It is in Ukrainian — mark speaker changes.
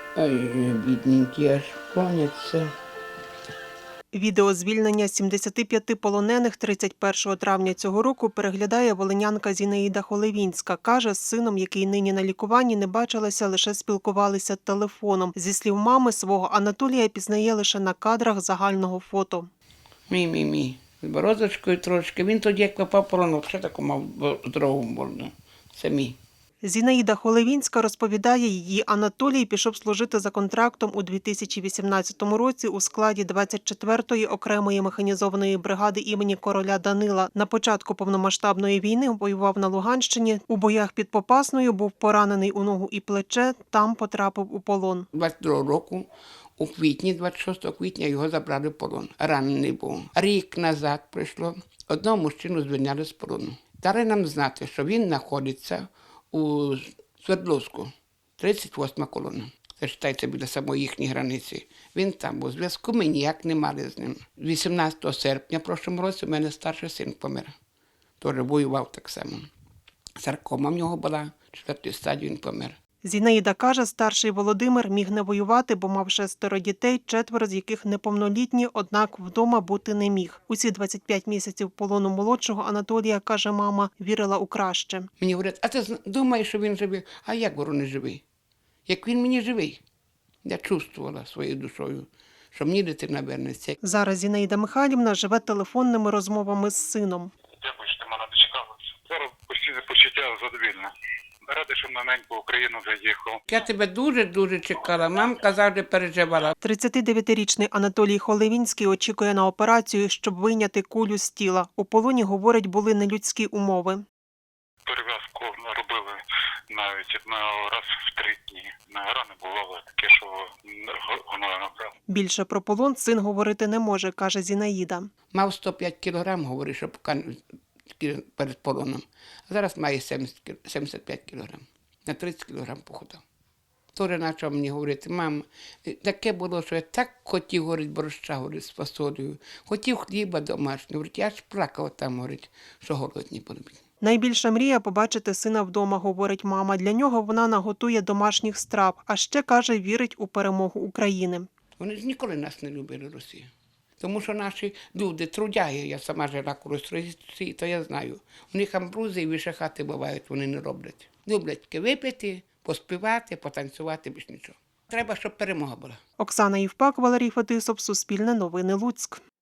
Speaker 1: Ой, бідненькі, аж поняться.
Speaker 2: Відео звільнення 75 полонених 31 травня цього року переглядає волинянка Зінаїда Холевінська. Каже, з сином, який нині на лікуванні, не бачилася, лише спілкувалися телефоном. Зі слів мами, свого Анатолія пізнає лише на кадрах загального фото.
Speaker 1: Мій. З бородочкою трошки. Він тоді, як попав в полон, ще таку мав здорову морду. Це мій.
Speaker 2: Зінаїда Холевінська розповідає, її Анатолій пішов служити за контрактом у 2018 році у складі 24-ї окремої механізованої бригади імені короля Данила. На початку повномасштабної війни воював на Луганщині. У боях під Попасною був поранений у ногу і плече, там потрапив у полон.
Speaker 1: 22 року, у квітні, 26 квітня, його забрали в полон. Ранений був. Рік назад прийшло, одного мужчину звільняли з полону. Дали нам знати, що він знаходиться у Свердловську, 38-ма колона. Це, вважайте, біля самої їхньої границі. Він там був. Зв'язку ми ніяк не мали з ним. 18 серпня в прошлому році у мене старший син помер. Теж воював так само. Саркома в нього була, 4-ї стадії він помер.
Speaker 2: Зінаїда каже, старший Володимир міг не воювати, бо мав 6 дітей, 4 з яких неповнолітні, однак вдома бути не міг. Усі 25 місяців полону молодшого Анатолія, каже мама, вірила у краще.
Speaker 1: Мені говорять, а ти думаєш, що він живий? А як, говорю, не живий? Як він мені живий? Я чувствувала своєю душою, що мені дитина вернеться.
Speaker 2: Зараз Зінаїда Михайлівна живе телефонними розмовами з сином.
Speaker 3: Дякую, що ти мене дочекалася. Зараз постійне почуття задовільне. Радий, що на неньку Україну заїхав.
Speaker 1: Я тебе дуже-дуже чекала. Мамка завжди переживала.
Speaker 2: 39-річний Анатолій Холевінський очікує на операцію, щоб вийняти кулю з тіла. У полоні, говорить, були нелюдські умови.
Speaker 3: Перев'язку робили навіть раз в 3 дні. Рани бувало таке, що гноя набрав.
Speaker 2: Більше про полон син говорити не може, каже Зінаїда.
Speaker 1: Мав 105 кілограм, говорить, що перед полоном. А зараз має 75 кілограм. На 30 кілограм похудав. Тоже почав мені говорити, мам, таке було, що я так хотів, говорить, борща, говорить, з фасолею. Хотів хліба домашнього, говорить, я аж плакав там, говорить, що голодні були.
Speaker 2: Найбільша мрія – побачити сина вдома, говорить мама. Для нього вона наготує домашніх страв, а ще, каже, вірить у перемогу України.
Speaker 1: Вони ж ніколи нас не любили, Росію. Тому що наші люди, трудяги, я сама жила колись в Росії, то я знаю. У них амбрузи і вишахати бувають, вони не роблять. Люблять тільки випити, поспівати, потанцювати, більш нічого. Треба, щоб перемога була.
Speaker 2: Оксана Євпак, Валерій Фетисов, Суспільне новини, Луцьк.